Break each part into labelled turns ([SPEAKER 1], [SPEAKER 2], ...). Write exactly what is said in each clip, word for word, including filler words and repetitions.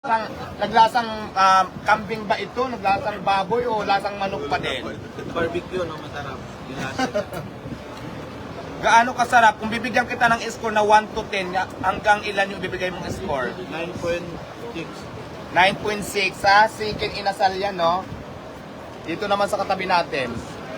[SPEAKER 1] Naglasang, naglasang um, kambing ba ito? Naglasang baboy o lasang manok pa din?
[SPEAKER 2] Barbecue, no? Masarap. Yung lasa.
[SPEAKER 1] Gaano kasarap? Kung bibigyan kita ng score na one to ten, hanggang ilan yung bibigay mong score?
[SPEAKER 2] nine point six.
[SPEAKER 1] nine point six ha? Chicken inasal yan, no? Dito naman sa katabi natin.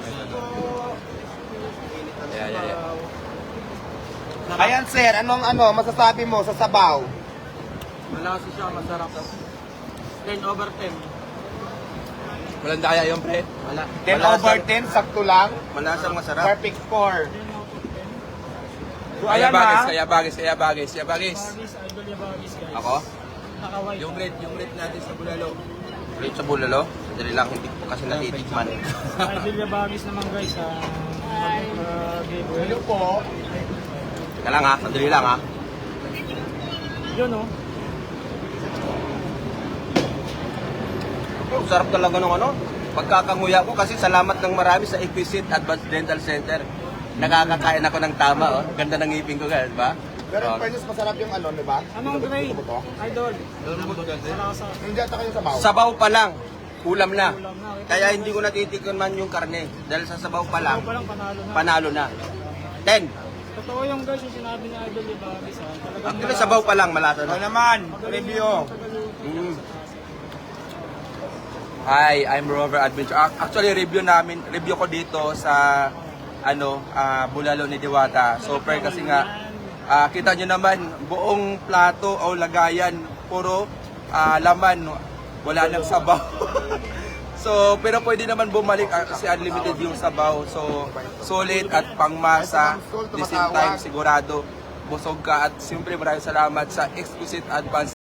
[SPEAKER 1] Yeah, yeah, yeah. Ayan sir, anong ano masasabi mo sa sabaw?
[SPEAKER 2] Malasa siya, masarap. ten over ten.
[SPEAKER 3] Walang daya yung pre.
[SPEAKER 2] Wala.
[SPEAKER 1] ten over ten, sakto lang.
[SPEAKER 2] Malasang masarap.
[SPEAKER 1] Perfect score. So
[SPEAKER 3] Kaya
[SPEAKER 1] ayan
[SPEAKER 3] bagis,
[SPEAKER 1] ha.
[SPEAKER 3] kaya bagis, kaya bagis, kaya bagis.
[SPEAKER 4] Bagis, idol yung bagis guys.
[SPEAKER 3] Ako?
[SPEAKER 4] Nakaway.
[SPEAKER 3] Yung red, yung red natin sa bulalo.
[SPEAKER 2] Rate sa bulalo. Dali lang, hindi ko kasi natitikman.
[SPEAKER 4] Idol yung bagis naman guys. Ah, uh, giveaway.
[SPEAKER 1] Hello po.
[SPEAKER 2] Teka lang ha, sandali lang ha.
[SPEAKER 4] Yun oh.
[SPEAKER 2] Ang sarap talaga ng ano. Pagkakanguya ko kasi salamat ng marami sa Equisit Advanced Dental Center. Nakakakain ako ng tama, oh. Ganda ng ngipin ko, guys, ba?
[SPEAKER 1] Pero in
[SPEAKER 2] Oh.
[SPEAKER 1] fairness, masarap yung ano, di ba?
[SPEAKER 4] Anong grade?
[SPEAKER 1] Gusto mo to?
[SPEAKER 4] Idol. Malasa.
[SPEAKER 1] Hindi ata kayo sabaw.
[SPEAKER 2] Sabaw pa lang, ulam na.
[SPEAKER 4] Ulam na.
[SPEAKER 2] Kaya hindi ko natitikman yung karne. Dahil sa sabaw pa lang,
[SPEAKER 4] Ikaw pa lang panalo na.
[SPEAKER 2] panalo na. ten.
[SPEAKER 4] Totoo yung guys yung sinabi ni Idol yung bagis ha. Talagang
[SPEAKER 2] Actually, sabaw pa lang, malasa
[SPEAKER 1] Ano
[SPEAKER 2] na.
[SPEAKER 1] naman, review.
[SPEAKER 2] Mm.
[SPEAKER 3] Hi, I'm Rover Adventure. Ac- Actually, review namin, review ko dito sa ano, ah, bulalo ni Diwata. Super kasi nga ah, kita nyo naman buong plato o lagayan puro ah, laman, wala nang sabaw. So, pero pwede naman bumalik ah, kasi unlimited yung sabaw. So, solid at pangmasa. The same time, sigurado busog ka. At siyempre maraming salamat sa Exquisite Advanced